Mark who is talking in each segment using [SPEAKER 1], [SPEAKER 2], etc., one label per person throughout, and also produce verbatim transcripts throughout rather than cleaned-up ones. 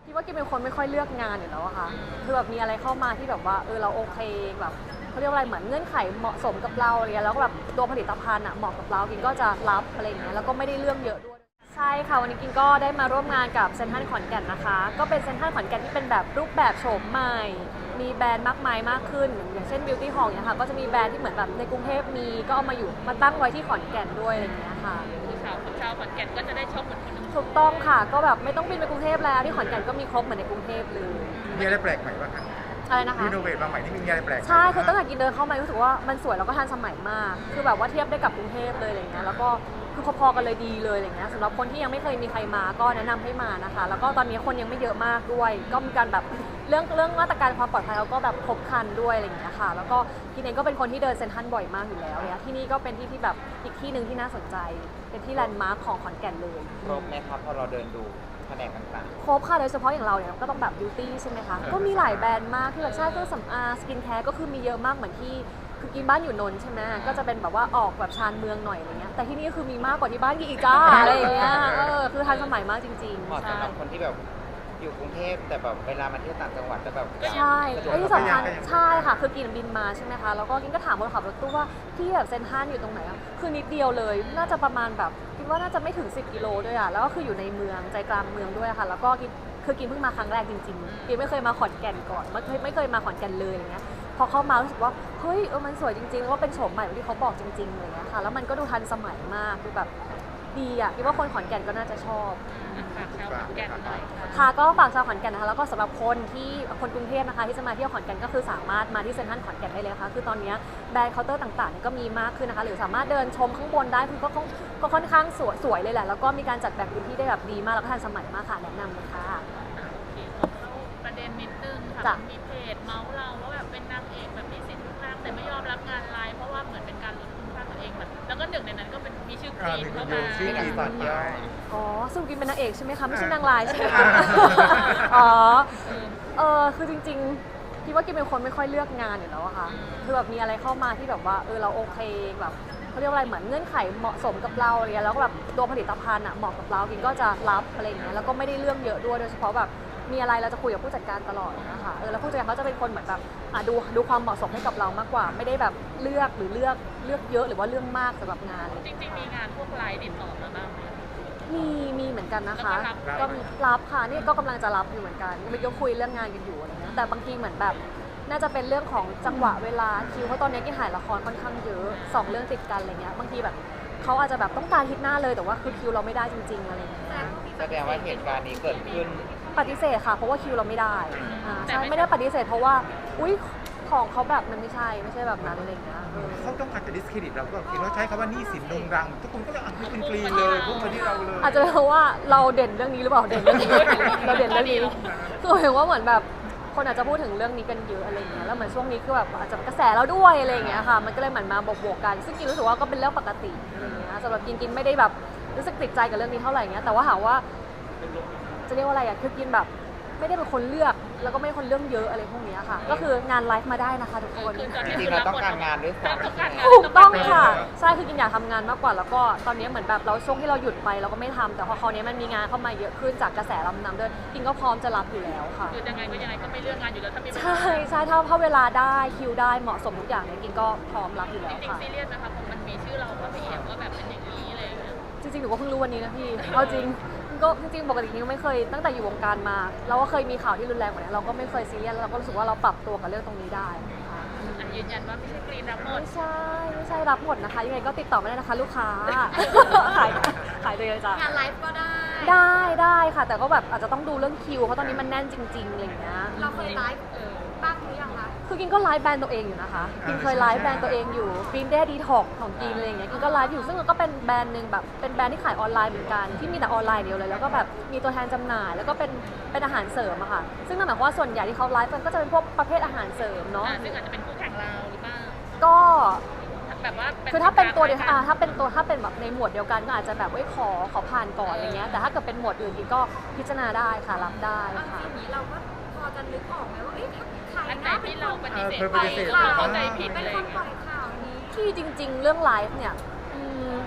[SPEAKER 1] คิดว่ากินเป็นคนไม่ค่อยเลือกงานอยู่แล้วอะค่ะคือแบบมีอะไรเข้ามาที่แบบว่าเออเราโอเคแบบเขาเรียกว่าอะไรเหมือนเงื่อนไขเหมาะสมกับเราอะไรเงี้ยแล้วก็แบบตัวผลิตภัณฑ์อะเหมาะกับเรากินก็จะรับอะไรอย่างเงี้ยแล้วก็ไม่ได้เรื่องเยอะด้วยใช่ค่ะวันนี้กินก็ได้มาร่วมงานกับเซ็นทรัลขอนแก่นนะคะก็เป็นเซ็นทรัลขอนแก่นที่เป็นแบบรูปแบบโฉมใหม่มีแบรนด์มากมายมากขึ้นอย่างเช่น Beauty Hall เนี่ยค่ะก็จะมีแบรนด์ที่เหมือนแบบในกรุงเทพมีก็เอามาอยู่มาตั้งไว้ที่ขอนแก่นด้วยอะไรอย่างเงี้ยค่ะ
[SPEAKER 2] ชาวชาวขอนแก่นก็จะได้ชมเหมือนคนอื่น
[SPEAKER 1] ถูกต้องค่ะก็แบบไม่ต้องบินไปกรุงเทพแล้วที่ขอนแก่นก็มีครบเหมือนในกรุงเทพเลย
[SPEAKER 3] มีอะไรแปลกใหม่บ้างคะ
[SPEAKER 1] อะไรนะคะ
[SPEAKER 3] รีโนเวทมาใหม่นี่มีอะไรแปลก
[SPEAKER 1] ใช่คือตั้งแต่กินเดินเข้ามารู้สึกว่ามันสวยแล้วก็ทันสมัยมากคือแบบว่าเทียบได้กับกรุงเทพเลยอะไรเงี้ยแล้วก็คือพอๆกันเลยดีเลยอะไรเงี้ยสำหรับคนที่ยังไม่เคยมีใครมาก็แนะนำให้มานะคะแล้วก็ตอนนี้คนยังไม่เยอะมากด้วยก็มีการแบบเรื่องเรื่องมาตรการความปลอดภัยเขาก็แบบครบครันด้วยอะไรเงี้ยค่ะแล้วก็กินเองก็เป็นคนที่เดินเซ็นทรัลบ่อยมากอยู่แล้วเนี่ยที่นี่ก็เป็นที่ที่แบบอีกที่หนึ่งที่น่าสนใจเป็นที่แลนด์มาร์คของขอนแก่นเลย
[SPEAKER 4] ครบไหมครับพอเราเดินดูแผนกต่าง
[SPEAKER 1] ครบค่ะโดยเฉพาะอย่างเราเนี่ยก็ต้องแบบบิวตี้ใช่ไหมคะก็มีหลายแบรนด์มากที่แบบใช่เครื่องสำอางสกินแคร์ก็คือมีเยอะมากเหมือนที่คือกินบ้านอยู่นนท์ใช่ไหมก็จะเป็นแบบว่าออกแบบชานเมืองหน่อยอะไรเงี้ยแต่ที่นี่คือมีมากกว่าที่บ้านกินอีกจ้าอะไรอย่างเงี้ยเออคือทันสมัยมากจริง
[SPEAKER 4] ๆเหมาะ
[SPEAKER 1] ๆใช่
[SPEAKER 4] สำหรับคนที่แบบอยู่กรุงเทพแต่แบบเวลามาเที่ยวต่างจังหวัดจะแบบ
[SPEAKER 1] ใช่
[SPEAKER 4] สะดวก
[SPEAKER 1] และที่สำคัญใช่ค่ะคือกินบินมาใช่ไหมคะแล้วก็กินก็ถามคนขับรถตู้ว่าที่แบบเซ็นทรัลอยู่ตรงไหนอะคือนิดเดียวเลยน่าจะประมาณแบบคิดว่าน่าจะไม่ถึงสิบกิโลด้วยอะแล้วก็คืออยู่ในเมืองใจกลางเมืองด้วยค่ะแล้วก็กินคือกินเพิ่งมาครั้งแรกจริงๆกินไม่เคยมาขอนแก่นก่อนไม่เคยไม่เคยมาขอนแก่นเลยอย่างเงี้ยพอเข้ามารู้สึกว่าเฮ้ยเออมันสวยจริงๆแล้วก็เป็นโฉมใหม่ที่เขาบอกจริงๆอะไรเงี้ยค่ะแล้วมันก็ดูทันสมัยมากดูแบบดีอะคิดว่าคนขอนแก่นก็น่าจะชอบ
[SPEAKER 2] ฝากชาวขอนแก่นหน่อยค่ะ
[SPEAKER 1] ค่ะก็ฝากชาวขอนแก่นนะคะแล้วก็สำหรับคนที่คนกรุงเทพนะคะที่จะมาเที่ยวขอนแก่นก็คือสามารถมาที่เซ็นทรัลขอนแก่นได้เลยค่ะคือตอนนี้แบรนด์เคาน์เตอร์ต่างๆก็มีมากขึ้นนะคะหรือสามารถเดินชมข้างบนได้คือก็ค่อนก็ค่อนข้างสวยสวยเลยแหละแล้วก็มีการจัดแบ่งพื้นที่ได้แบบดีมากแล้วก็ทันสมัยมากค่ะแนะนำเลยค่ะ
[SPEAKER 2] โอเคเข้าประเด็นนิดนึง
[SPEAKER 1] จ้ะ
[SPEAKER 2] ค่ะมีเพจเมาส์เราว่าแบบเป็นนางเอกแบบมีสิทธิ์ทุกทางแต่ไม่ยอมรับงานไลน์เพราะว่าเหมือนเป็นการลดคุณค่าตัวเองแบบแล้วก็หนึ่งในนั้นก็เป็นมีชื่อกรีนเข้ามา
[SPEAKER 3] ชื่อ
[SPEAKER 4] มี
[SPEAKER 3] กี
[SPEAKER 4] หนังสอนย่อ
[SPEAKER 1] อ๋อสรุปกินเป็นนางเอกใช่ไหมคะไม่ใช่นางร้ายใช่ไหมคะอ๋อเออคือจริงๆคิดว่ากินเป็นคนไม่ค่อยเลือกงานอยู่แล้วอะค่ะคือแบบมีอะไรเข้ามาที่แบบว่าเออเราโอเคแบบเขาเรียกว่าอะไรเหมือนเงื่อนไขเหมาะสมกับเราอะไรเงี้ยแล้วก็แบบตัวผลิตภัณฑ์อะเหมาะกับเรากินก็จะรับอะไรอย่างเงี้ยแล้วก็ไม่ได้เรื่องเยอะด้วยโดยเฉพาะแบบมีอะไรเราจะคุยกับผู้จัดการตลอดนะคะเออแล้วผู้จัดการเขาจะเป็นคนเหมือนแบบอ่ะดูดูความเหมาะสมให้กับเรามากกว่า ไม่ได้แบบเลือกหรือเลือกเลือกเยอะหรือว่าเรื่องมากสำหรับงานอะไร
[SPEAKER 2] จริงๆมีงานพวกไลน์ติดต่อมาบ้างไหม
[SPEAKER 1] มีมีเหมือนกันนะคะ
[SPEAKER 2] แล้วก็รับ
[SPEAKER 1] ก็รับค่ะนี่ก็กำลังจะรับอยู่เหมือนกันมันก็คุยเรื่องงานกันอยู่อะไรเงี้ยแต่บางทีเหมือนแบบน่าจะเป็นเรื่องของจังหวะเวลาคิวเพราะตอนนี้กินถ่ายละครค่อนข้างเยอะสองเรื่องติดกันอะไรเงี้ยบางทีแบบเขาอาจจะแบบต้องการฮิตหน้าเลยแต่ว่าคือคิวเราไม่ได้จริงๆอะไรเงี้ย
[SPEAKER 4] แสดงว่าเหตุการณ์นี้เกิดขึ้น
[SPEAKER 1] ปฏิเสธค่ะเพราะว่าคิวเราไม่ได้อ่าใช่ไม่ได้ปฏิเสธเพราะว่าอุ้ยของเขาแบบมันไม่ใช่ไม่ใช่แบบนั้นอะไรเงี้ยเออ
[SPEAKER 3] เขาต้องการจะดิสเครดิตเราก็คิดว่าใช้คำว่านี่สินดงรัง ทุกคนก็จะอ่ะเป็นกรีนเลยพุ่งมาที่เราเลย
[SPEAKER 1] อาจจะเป็นเพราะว่าเราเด่นเรื่องนี้หรือเปล่าเด่นเรื่องนี้ เราเด่นเรื่องนี้คือเห็นว่าเหมือนแบบคนอาจจะพูดถึงเรื่องนี้กันเยอะอะไรเงี้ยแล้วเหมือนช่วงนี้คือแบบอาจจะกระแสเราด้วยอะไรเงี้ยค่ะมันก็เลยเหมือนมาบวกๆกันซึ่งกินรู้สึกว่าก็เป็นเรื่องปกติอะไรเงี้ยสำหรับกินกินไม่ได้แบบรู้สึกติดใจกับเรื่องนี้เท่าไหร่เงี้ยแต่ว่าถามว่าจะเรียกว่าอะไรอะคือกินแบบไม่ได้เป็นคนเลือกแล้วก็ไม่ได้คนเรื่องเยอะอะไรพวกนี้ค่ะก็คืองานไลฟ์มาได้นะคะทุกคน
[SPEAKER 2] คือตอน
[SPEAKER 4] จ
[SPEAKER 2] นี้
[SPEAKER 4] ริงๆเราต้องการงานด้วยซ้ำ
[SPEAKER 2] ต้องการงาน
[SPEAKER 1] ถูกต้องค่ะใช่คือกินอยากทำงานมากกว่าแล้วก็ตอนนี้เหมือนแบบเราช่วงที่เราหยุดไปเราก็ไม่ทำแต่พอคราวนี้มันมีงานเข้ามาเยอะขึ้นจากกระแสลำนำด้วยกินก็พร้อมจะรับอยู่แล้วค่ะ
[SPEAKER 2] คือยังไงก็ยังไงก็ไม่เลือกงานอยู่แล้วถ้ามีเวลา
[SPEAKER 1] ใช่ใช่ถ้าถ้าเวลาได้คิวได้เหมาะสมทุกอย่างเนี่ยกินก็พร้อมรับอยู่แล้
[SPEAKER 2] จ
[SPEAKER 1] ว
[SPEAKER 2] ริง
[SPEAKER 1] ค่ะ
[SPEAKER 2] ๆซีเรียสนะคะเพราะมันมีชื่อเราก็ไปเอี่ยมว่าแบบเป็นอย่างนี้อะไรอย่างเงี้ย
[SPEAKER 1] จริงๆหนูก็เพิ่งรู้วันนี้นะพี่เอาจริงก็จริงๆปกตินี่ก็ไม่เคยตั้งแต่อยู่วงการมาเราก็เคยมีข่าวที่รุนแรงกว่านี้เราก็ไม่เคยซีเรียสแล้วเราก็รู้สึกว่าเราปรับตัวกับเรื่องตรงนี้ได้ค่ะ
[SPEAKER 2] อันยืนยันว่าไม่ใช่กรีนรับหมด
[SPEAKER 1] ไม่ใช่ไม่ใช่รับหมดนะคะยังไงก็ติดต่อมาได้นะคะลูกค้า ขายขายเลยจ้ะ
[SPEAKER 5] งานไลฟ์ก็ได้
[SPEAKER 1] ได้ได้ค่ะ แต่ก็แบบอาจจะต้องดูเรื่องคิวเพราะตอนนี้มันแน่นจริงๆอะไรอย่างเงี้ย
[SPEAKER 5] เราเคยไลฟ์เออบ้างหรือยังคะ
[SPEAKER 1] คือกินก็ไลฟ์แบรนด์ตัวเองอยู่นะคะกินเคยไลฟ์แบรนด์ตัวเองอยู่ Green Day Detox ของกินอะไรอย่างเงี้ยกินก็ไลฟ์อยู่ซึ่งมันก็เป็นแบรนด์หนึ่งแบบเป็นแบรนด์ที่ขายออนไลน์เหมือนกันที่มีแต่ออนไลน์เดียวเลยแล้วก็แบบมีตัวแทนจำหน่าย แล้วก็เป็นเป็นอาหารเสริมอะค่ะซึ่งนั่นหมายความว่าส่วนใหญ่ที่เขาไลฟ์กันก็จะเป็นพวกประเภทอาหารเสริมเนาะ
[SPEAKER 2] อ่าซึ่งอาจจะเป็นคู่แข่งเราหรือเปล่า
[SPEAKER 1] ก็
[SPEAKER 2] แบบว่า
[SPEAKER 1] คือถ้าเป็นตัวเดียวอ่าถ้าเป็นตัวถ้าเป็นแบบในหมวดเดียวกันก็อาจจะแบบเอ้ยขอขอผ่านก่อนอะไรเงี้ยแต่ถ้าเกิดเป็นหมวดอื่นกินก็พิจารณาได้ค่ะรับได้
[SPEAKER 5] เอา
[SPEAKER 1] ค่ะ
[SPEAKER 5] จริงๆนี้เราก็พอจะนึกออกไหมว่าเอ๊ะถ้าใคร
[SPEAKER 2] อันไหน
[SPEAKER 5] นะเป็น
[SPEAKER 2] ที่
[SPEAKER 5] ค
[SPEAKER 2] เรา
[SPEAKER 5] น
[SPEAKER 2] ปฏิเสธ
[SPEAKER 3] เออ
[SPEAKER 2] ไป
[SPEAKER 3] ปฏิเสธ
[SPEAKER 2] เราเข้าใจผิด
[SPEAKER 5] เป็
[SPEAKER 2] อะ
[SPEAKER 5] น
[SPEAKER 2] ไร
[SPEAKER 5] ค
[SPEAKER 2] อน ย่าง
[SPEAKER 5] ปล่
[SPEAKER 2] เงี้
[SPEAKER 5] อย ยข่าวนี้
[SPEAKER 1] ที่จริง ๆ เรื่องไลฟ์เนี่ยอืม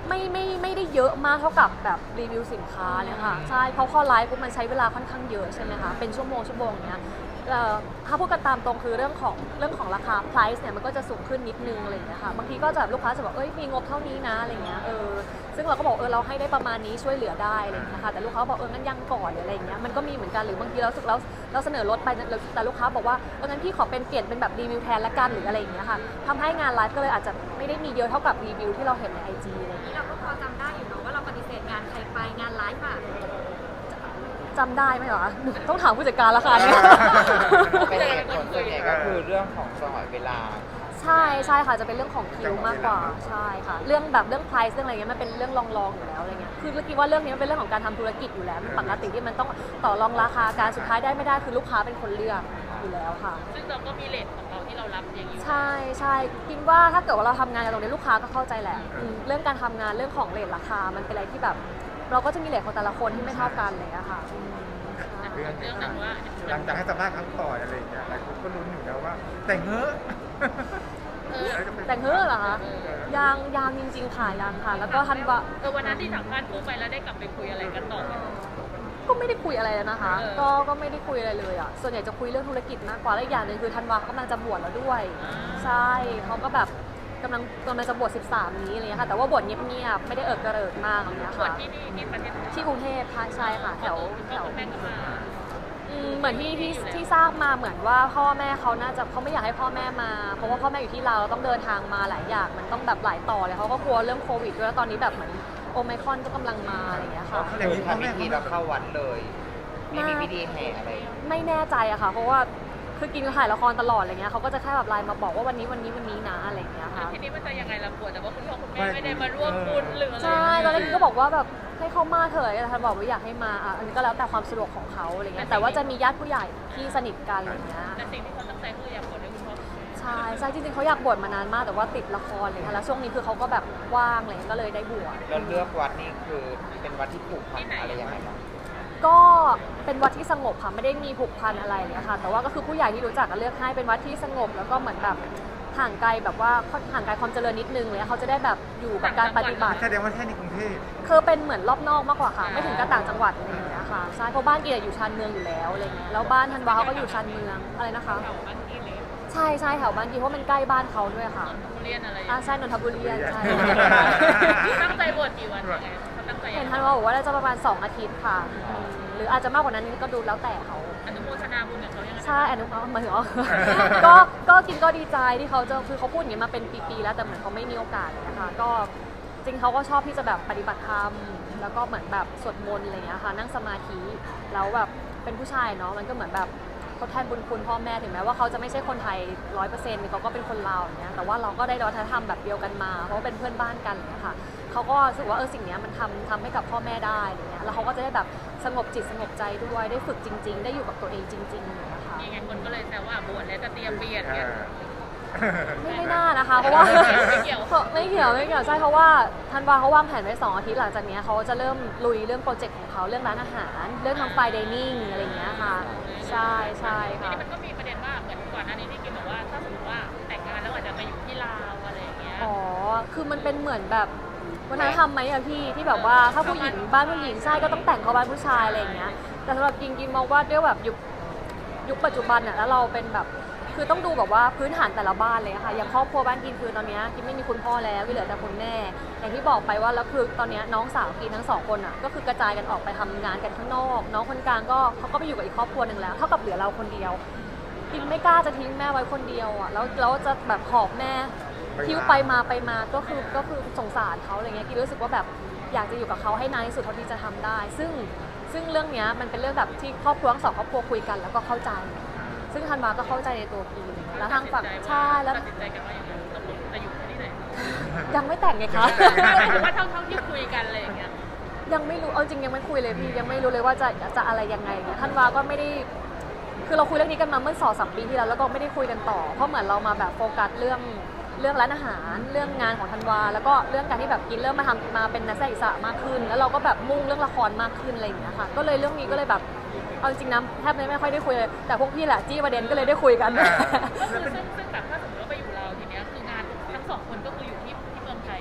[SPEAKER 1] ไม่ไม่ไม่ได้เยอะมากเท่ากับแบบรีวิวสินค้าเนี่ยค่ะใช่เพราะพอไลฟ์ปุ๊บมันใช้เวลาค่อนข้างเยอะใช่ไหมคะเป็นชั่วโมงชั่วโมงเนี้ยเอ่อถ้าพูดกันตามตรงคือเรื่องของเรื่องของราคา price เนี่ยมันก็จะสูงขึ้นนิดนึงอะไรอย่างเงี้ยค่ะบางทีก็จะแบบลูกค้าจะบอกเอ้ยมีงบเท่านี้นะอะไรเงี้ยเออซึ่งเราก็บอกเออเราให้ได้ประมาณนี้ช่วยเหลือได้อะไรอย่างเงี้ยค่ะแต่ลูกค้าบอกเอองั้นยังก่อนหรืออะไรอย่างเงี้ยมันก็มีเหมือนกันหรือบางทีเราสึกแล้วเราเสนอลดไปแต่ลูกค้าบอกว่าเอองั้นพี่ขอเป็นเปลี่ยนเป็นแบบรีวิวแทนละกันหรืออะไรอย่างเงี้ยค่ะทำให้งานไลฟ์ก็เลยอาจจะไม่ได้มีเยอะเท่ากับรีวิวที่เราเห็นใน ไอ จี อะไรอย่างเงี้ย
[SPEAKER 5] นี่เราก็พอจำได้อยู่เนาะว่าเราปฏิเสธงานใครไปงานไลฟ์ค่ะ
[SPEAKER 1] จำได้ไหมเหรอต้องถามผู้จัดการละค่ะเนี่ย
[SPEAKER 4] เป็นเหตุผลส่วนใหญ่ก็คือเรื่องของจังหวะเวลา
[SPEAKER 1] ใช่ใช่ค่ะจะเป็นเรื่องของคิวมากกว่าใช่ค่ะเรื่องแบบเรื่อง price เรื่องอะไรเงี้ยมันเป็นเรื่องรองๆอยู่แล้วอะไรเงี้ยคือเมื่อกี้ว่าเรื่องนี้มันเป็นเรื่องของการทำธุรกิจอยู่แล้วมันปกติที่มันต้องต่อรองราคาการสุดท้ายได้ไม่ได้คือลูกค้าเป็นคนเลือกอยู่แล้วค่ะ
[SPEAKER 2] ซึ่งเราก็มีเลทของเราที่เรารับอย่างอยู่
[SPEAKER 1] ใช่ใช่คิดว่าถ้าเกิดว่าเราทำงานกันตรงนี้ลูกค้าก็เข้าใจแหละอืมเรื่องการทำงานเรื่องของเรทราคามันเป็นอะไรที่แบบ เราก็จะมีเรทของแต่ละคนที่ไม่เท่ากันเลยอะค่ะอืมใช่
[SPEAKER 3] เรื่อง
[SPEAKER 2] เรื่องหนึ่งว่า
[SPEAKER 3] หลังจากให้สัมภาษณ์ครั้งก่อนอะไรอย่างเงี้ยหลายคนก็ลุ้นอยู่แล้วว่า แต่งเงอะ
[SPEAKER 2] เออ
[SPEAKER 1] แต่งเฮ้อเหรอคะยังยังจริง ๆ ค่ะยังค่ะ แล้วก็ทันว่า
[SPEAKER 2] เออวันนั้นที่สัมภาษณ์คู่ไปแล้วได้กลับไปคุยอะไรกันต่อไหม
[SPEAKER 1] ก็ไม่ได้คุยอะไรแล้วนะคะ
[SPEAKER 2] เออ
[SPEAKER 1] ก็ก็ไม่ได้คุยอะไรเลยอ่ะส่วนใหญ่จะคุยเรื่องธุรกิจมากกว่าและอีกอย่างหนึ่งคือธันวาเขากำลังจะบวชแล้วด้วย ใช่เขาก็แบบกำลังกำลังจะบวชสิบสามนี้อะไรเงี้ยค่ะแต่ว่าบวชเงียบๆไม่ได้เอิกกระเริกมากอะไรเงี้ย
[SPEAKER 2] ส่วน
[SPEAKER 1] ค่ะ
[SPEAKER 2] ที่นี่ที่ประเทศไทย
[SPEAKER 1] ที่กรุงเทพค่ะใช่ค่ะแถวแถ
[SPEAKER 2] พ่อ
[SPEAKER 1] ว
[SPEAKER 2] คุณแม่ก็มา
[SPEAKER 1] อืมเหมือนที่ที่ที่ทราบมาเหมือนว่าพ่อแม่เขาน่าจะเขาไม่อยากให้พ่อแม่มา เพราะว่าพ่อแม่อยู่ที่เราวเราต้องเดินทางมาหลายอย่างมันต้องแบบหลายต่อเลยเขาก็กลัวเรื่องโควิดด้วยแล้วตอนนี้แบบเหมือนโอไมครอนก็กำลังมาอะไรอย่างเงี้ยค่ะ
[SPEAKER 3] อย่าง
[SPEAKER 4] คือ
[SPEAKER 3] นี้พ่อ
[SPEAKER 4] ทำ
[SPEAKER 3] แม่
[SPEAKER 4] พิธี
[SPEAKER 3] เขา
[SPEAKER 4] เราเข้าวัดเลย ไม่มีพิธีแห่อะไร
[SPEAKER 1] ไม่แน่ใจอะค่ะ เพราะว่าคือกินถ่ายละครตลอดอะไรเงี้ยเขาก็จะแค่แบบไลน์มาบอกว่าวันนี้วันนี้วันนี้นะอะไรอย่างเงี้ย
[SPEAKER 2] แล้ว
[SPEAKER 1] ค่ะ
[SPEAKER 2] ทีนี้มันจะยังไงล่ะกลัวแต่ว่าคุณพ่อคุณแม่ไม่ได้มาร่วมบุญหรืออะไร
[SPEAKER 1] ใช่ตอนแรกกินก็บอกว่าแบบให้เขามาเถอะแต่ท่านบอกว่าอยากให้มาอ่ะอันนี้ก็แล้วแต่ความสะดวกของเขาอะไรเงี้ยแต่ว่าจะมีญาติผู้ใหญ่ที่สนิทกันอะไรเงี้ย
[SPEAKER 2] แต่สิ่งที่เขาตั้งใจคืออยากบวชให้คุณพ่อคุณแม่
[SPEAKER 1] ใช่ใช่จริงๆเขาอยากบวชมานานมากแต่ว่าติดละครเลยค่ะแล้วช่วงนี้คือเขาก็แบบว่างเลยก็เลยได้บวช
[SPEAKER 4] แล้วเลือกวัดนี่คือเป็นวัดที่ผูกพันอะไรยังไงบ้าง
[SPEAKER 1] ก็เป็นวัดที่สงบค่ะไม่ได้มีผูกพันอะไรเลยค่ะแต่ว่าก็คือผู้ใหญ่ที่รู้จักก็เลือกให้เป็นวัดที่สงบแล้วก็เหมือนแบบห่างไกลแบบว่าห่างไกลความเจริญนิดนึงเลยเขาจะได้แบบอยู่กับการปฏิบัติ
[SPEAKER 3] แสดงว่าแค่ในกรุงเทพ
[SPEAKER 1] คือเป็นเหมือนรอบนอกมากกว่าค่ะ ไม่ถึงกับต่างจังหวัดอะไรอย่างเงี้ยค่ะใช่เพราะบ้านกีอยู่ชานเมืองอยู่แล้วอะไรเงี้ยแล้วบ้านธันวาเขาก็อยู่ชานเมืองอะไรนะคะ
[SPEAKER 2] แถวบ้านที่เล็ก
[SPEAKER 1] ใช่ใช่แถวบ้านกีเพราะมันใกล้บ้านเขาด้วยค่ะ
[SPEAKER 2] ทุเรียนอะไร
[SPEAKER 1] อ่าใช่นนทบุรีใช่
[SPEAKER 2] ตั้งใจบวชกี่วันยังไงเขาตั้งใจ
[SPEAKER 1] เห็นธันวาบอกว่าน่าจะประมาณสองอาทิตย์ค่ะอืมหรืออาจจะมากกว่านั้นก็ดูแล้วแต่เขา
[SPEAKER 2] อนุโมทนาบุญกับเขายังไง
[SPEAKER 1] ใช่อนุเอาหมายถึงว่า ก็ก็กินก็ดีใจที่เขาจะคือเขาพูดอย่างนี้มาเป็นปีๆแล้วแต่เหมือนเขาไม่มีโอกาสนะคะก็จริงเขาก็ชอบที่จะแบบปฏิบัติธรรมแล้วก็เหมือนแบบสวดมนต์อะไรอย่างเงี้ยค่ะนั่งสมาธิแล้วแบบเป็นผู้ชายเนาะมันก็เหมือนแบบทดแทนบุญคุณพ่อแม่ถึงแม้ว่าเขาจะไม่ใช่คนไทยร้อยเปอร์เซ็นต์เขาก็เป็นคนลาวอย่างเงี้ยแต่ว่าเราก็ได้วัฒนธรรมแบบเดียวกันมาเพราะว่าเป็นเพื่อนบ้านกันอย่างเงี้ยค่ะเขาก็รู้สึกว่าเออสิ่งเนี้ยมันทำทำให้กับพ่อแม่ได้อย่างเงี้ยแล้วเขาก็จะได้แบบสงบจิตสงบใจด้วยได้ฝึกจริง ๆ ได้อยู่กับตัวเองจริงๆอย่างเงี้ยค่ะ
[SPEAKER 2] ยังไงคนก็เลยแซวว่าบวชแล้วจะเตรียมเปลี่ยน
[SPEAKER 3] เอ
[SPEAKER 2] เนี่ย
[SPEAKER 3] อ
[SPEAKER 1] ไม่ไม่น่านะคะ เพราะว่า
[SPEAKER 2] ไม่เกี่ยว
[SPEAKER 1] ไม่เกี่ยวไม่เกี่ยวใช่เพราะว่าธันวาเขาวางแผนไว้สองอาทิตย์หลังจากเนี้ยเขาจะเริ่มลุยเรื่องโปรเจกต์ของเขาเรื่องร้านอาหาร เรื่องทำไฟดิเนิ่งอะไรอย่างเงี้ยค่ะใช่ใช่
[SPEAKER 2] ที
[SPEAKER 1] ค่ะ
[SPEAKER 2] นี้มันก็มีประเด็นว่าเหมือนก่อนหน้านี้ที่กินบอกว่าถ้าสมมติว่าแต่งงานแล้วอาจจะไปอยู่ที่ลาวอะไรอย่างเงี้ย
[SPEAKER 1] อ๋อคือมันเป็นเหมือนแบบวัฒนธรรมไหมอะพี่ที่แบบว่าถ้าผู้หญิงบ้านผู้หญิงใช่ก็ต้องแต่งเข้าบ้านผู้ชายอะไรอย่างเงี้ยแต่สำหรับกินกินมองว่าด้วยแบบยุคยุคปัจจุบันอะแล้วเราเป็นแบบคือต้องดูแบบว่าพื้นฐานแต่ละบ้านเลยอะค่ะอย่างครอบครัวบ้านกินคือตอนเนี้ยกินไม่มีคุณพ่อแล้ววิเหลือแต่คุณแม่อย่างที่บอกไปว่าแล้วคือตอนเนี้ยน้องสาวกินทั้งสองคนอะก็คือกระจายกันออกไปทำงานกันข้างนอก น้องคนกลางก็เขาก็ไปอยู่กับอีกครอบครัวหนึ่งแล้วเท่ากับเหลือเราคนเดียวกินไม่กล้าจะทิ้งแม่ไว้คนเดียวอะแล้วแล้วจะแบบหอบแม่ทิ้วไปมาไปมาก็คือก็คือสงสารเขาอะไรเงี้ยกินรู้สึกว่าแบบอยากจะอยู่กับเขาให้นานที่สุดเท่าที่จะทำได้ ซึ่งซึ่งเรื่องเนี้ยมันเป็นเรื่องแบบที่ครอบครัวทั้งสองครอบครัวคุยกันแล้วก็เข้าใจ ซึ่งธันวาก็เข้าใจในตัวพีแล้วทางฝั่งใช่แล้ว
[SPEAKER 2] ตัดสินใจกันว่าอย่างไรตกลงจะอยู่ที่ไหน
[SPEAKER 1] ยังไม่แต่งไงคะ
[SPEAKER 2] ถือว่าเท่าเท่าที่คุยกันอะไรอย่างเงี้ย
[SPEAKER 1] ยังไม่รู้เอาจริงยังไม่คุยเลยพี่ยังไม่รู้เลยว่าจะจะอะไรยังไงเนี่ยธันวาก็ไม่ได้คือเราคุยเรื่องนี้กันมาเมื่อสองสามปีที่แล้วแล้วก็ไม่ได้คุยกันต่อเพราะเหมือนเรามาแบบโฟกัสเรื่องเรื่องร้านอาหารเรื่องงานของธันวาแล้วก็เรื่องการที่แบบกินเริ่มมาทำมาเป็นนักแสดงอิสระมากขึ้น แล้วเราก็แบบมุ่งเรื่องละครมากขึ้นอะไรอย่างเงี้ยค่ะก็เลยเรื่องนี้ก็เลยแบบเอาจริงนะแทบไม่ค่อยได้คุยเลยแต่พวกพี่แหละจี้ประเด็นก็เลยได้คุยกัน
[SPEAKER 2] ซึ่งซึ่งแบบถ้าสมมติว่าไปอยู่เราทีเนี้ยคืองานทั้งสองคนก็คืออยู่ที่ที่เมืองไทยไง
[SPEAKER 1] ใช่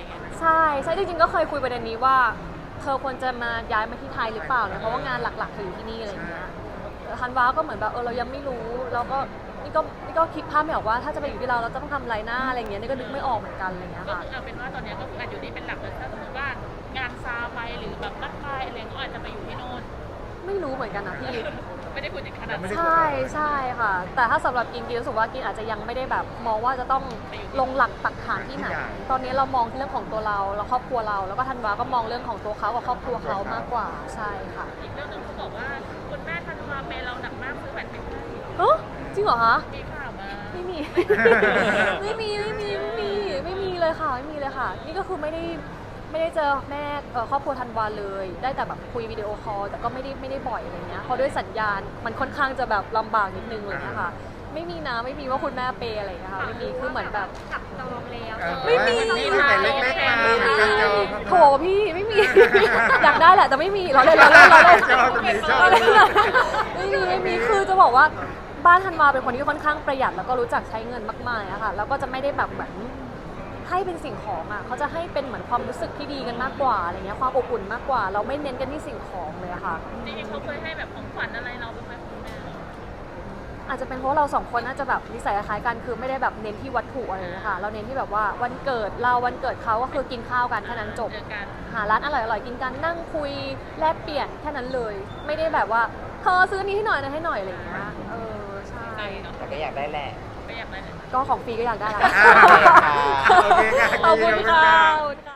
[SPEAKER 1] ช่ใช่จริงๆก็เคยคุยประเด็นนี้ว่าเธอควรจะมาย้ายมาที่ไทยหรือเปล่าเนี่ยเพราะว่างานหลักๆเธออยู่ที่นี่อะไรอย่างเงี้ยธันวาก็เหมือนแบบเออเรายังไม่รู้แล้วก็นี่ก็นี่ก็คิดภาพไม่ออกว่าถ้าจะไปอยู่ที่เราเราจะต้องทำอะไรหน้าอะไรอย่างเงี้ยนี่ก็นึกไม่ออกเหมือนกันอะไรอย่างเงี้ย
[SPEAKER 2] ก็
[SPEAKER 1] ค่ะ
[SPEAKER 2] คือเอาเป็นว่าตอนนี้ก็คืออาจอยู่นี่เป็นหลักเลยถ้าสมมติว่างานซาไปหรือแบบรักไปอะไรก็อาจจะไปอยู่ที่โน่น
[SPEAKER 1] ไม่รู้เหมือนกันนะพี่
[SPEAKER 2] ไม่ได้คุยถึงขนาดนั้น
[SPEAKER 1] ใช่ใช่ค่ะ แต่ถ้าสำหรับกินกินรู้สึกว่ากินอาจจะยังไม่ได้แบบมองว่าจะต้องลงหลักปักฐานที่ไหน ตอนนี้เรามองที่เรื่องของตัวเราแล้วครอบครัวเรา แล้วก็ธันวาก็มองเรื่องของตัวเขากับครอบครัวเขามากกว่าใช่ค่ะ
[SPEAKER 2] อีกเรื่องหนึงเขาบอกว่าคุณแม่ธันวาเปย์เราหนักมากซื้อแหวนเพชรให้
[SPEAKER 1] เอ้อจริงเหรอคะ
[SPEAKER 2] มีข่าวมา
[SPEAKER 1] ไม่มี ไม่มีไม่มีไม่มีไม่มีเลยค่ะไม่มีเลยค่ะ นี่ก็คือไม่ได้ไม่ได้เจอแม่เอ่อครอบครัวธันวาเลย ได้แต่แบบคุยวิดีโอคอลแต่ก็ไม่ได้ไม่ได้บ่อยอะไรเงี้ยเพราะด้วยสัญญาณมันค่อนข้างจะแบบลำบากนิดนึงอะไรเงี้ยค่ะ ไม่มีนะไม่มีว่าคุณแม่เปย์อะไรเงี้ยค่ะไม่มีคือเหมือนแบบ
[SPEAKER 5] จับจองแล้ว
[SPEAKER 3] เออ
[SPEAKER 1] ไม่มี
[SPEAKER 3] แต่เล็กๆมาการจอง
[SPEAKER 1] โถพี่ไม่มี อยากได้แหละแต่ไม่มีเราเลยเราเลยเราเลย
[SPEAKER 3] ชอบตรงนี้ชอบ
[SPEAKER 1] ไม่มีไม่มีคือจะบอกว่าบ้านธันวาเป็นคนที่ค่อนข้างประหยัดแล้วก็รู้จักใช้เงินมากๆอะค่ะแล้วก็จะไม่ได้แบบเหมือนให้เป็นสิ่งของอ่ะเขาจะให้เป็นเหมือนความรู้สึกที่ดีกันมากกว่าอะไรเงี้ยความอบอุ่นมากกว่า เราไม่เน้นกันที่สิ่งของเลยอะค่ะ
[SPEAKER 2] จริงๆเขาเคยให้แบบของขวัญอะไรเราบ้างไหมคุณแม่
[SPEAKER 1] อาจจะเป็นเพราะเราสองคนน่าจะแบบนิสัยคล้ายๆกันคือไม่ได้แบบเน้นที่วัตถุอะไรเลยค่ะเราเน้นที่แบบว่าวันเกิดเราวันเกิดเขาก็คือกินข้าวกันแค่นั้นจบ
[SPEAKER 2] เจอกัน
[SPEAKER 1] หาร้านอร่อยๆกินกันนั่งคุยแลกเปลี่ยนแค่นั้นเลย ไม่ได้แบบว่าเธอซื้อนี้ให้หน่อยนะให้หน่อยอะไรอย่างเงี้ยเออใช่
[SPEAKER 2] ใจเนาะ
[SPEAKER 4] แต่ก็อยากได้แหละ
[SPEAKER 2] ไม่อยากได้เลย
[SPEAKER 1] ก็ของฟรีก็อยากได้ละ
[SPEAKER 3] โอเคค่ะ
[SPEAKER 1] ขอบคุณค่ะขอบคุณค่ะ